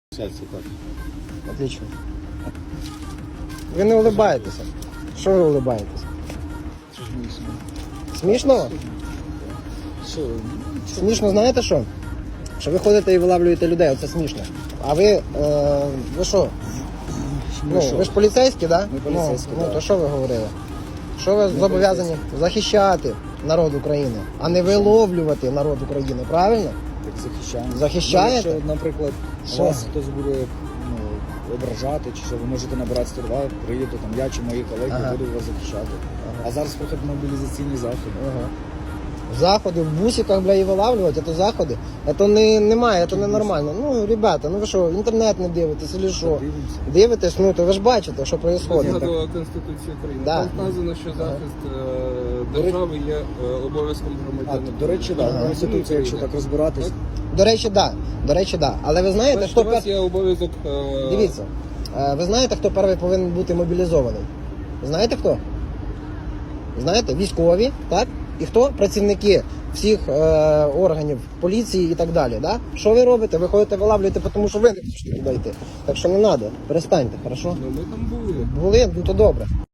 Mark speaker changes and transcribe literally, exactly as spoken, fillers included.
Speaker 1: Сердце как?
Speaker 2: Отлично. Ви не улибаєтеся. Що ви улибаєтеся? Смішно?
Speaker 1: Что?
Speaker 2: Смішно, знаєте що? Що ви ходите і вилавлюєте людей, оце смішно. А ви, е, ви що? Ну, ви ж поліцейські, так?
Speaker 1: Ми поліцейські,
Speaker 2: ну,
Speaker 1: да.
Speaker 2: ну, то що ви говорили? Що ви зобов'язані захищати народ України, а не виловлювати народ України, правильно?
Speaker 1: Так захищаємо.
Speaker 2: Захищаєте?
Speaker 1: Ну, якщо, наприклад,
Speaker 2: Що?
Speaker 1: вас хтось буде ну, ображати, чи що ви можете набирати сто два, приїду там я чи мої колеги,
Speaker 2: Ага.
Speaker 1: будуть вас захищати.
Speaker 2: Ага.
Speaker 1: А зараз проходять мобілізаційні заходи.
Speaker 2: Ага. Заходи в бусиках, бля, і вилавлювати, це заходи. Це не, немає, це не нормально. Ну, ребята, ну ви що, інтернет не дивитесь, чи що?
Speaker 1: Дивимося.
Speaker 2: Дивитесь, ну то ви ж бачите, що відбувається.
Speaker 3: Згадувала Конституцію України.
Speaker 2: Да.
Speaker 3: Там вказано, що захист е, держави є е, обов'язком
Speaker 1: А,
Speaker 3: громадянина.
Speaker 1: до речі, так,
Speaker 2: Ага.
Speaker 1: да, Конституція, якщо так розбиратись.
Speaker 2: До речі, да. До речі, да. Але ви знаєте,
Speaker 3: Значить,
Speaker 2: хто
Speaker 3: у вас
Speaker 2: пер...
Speaker 3: є обов'язок... е,
Speaker 2: Дивіться, е, ви знаєте, хто перший повинен бути мобілізований? Знаєте хто? Знаєте, військові, так? І хто? Працівники всіх е, органів поліції і так далі. Да? Що ви робите? Ви ходите вилавлюєте, тому що ви не хочете туди йти. Так що не треба, перестаньте, хорошо?
Speaker 3: Ну, ми там були.
Speaker 2: Були, ну то добре.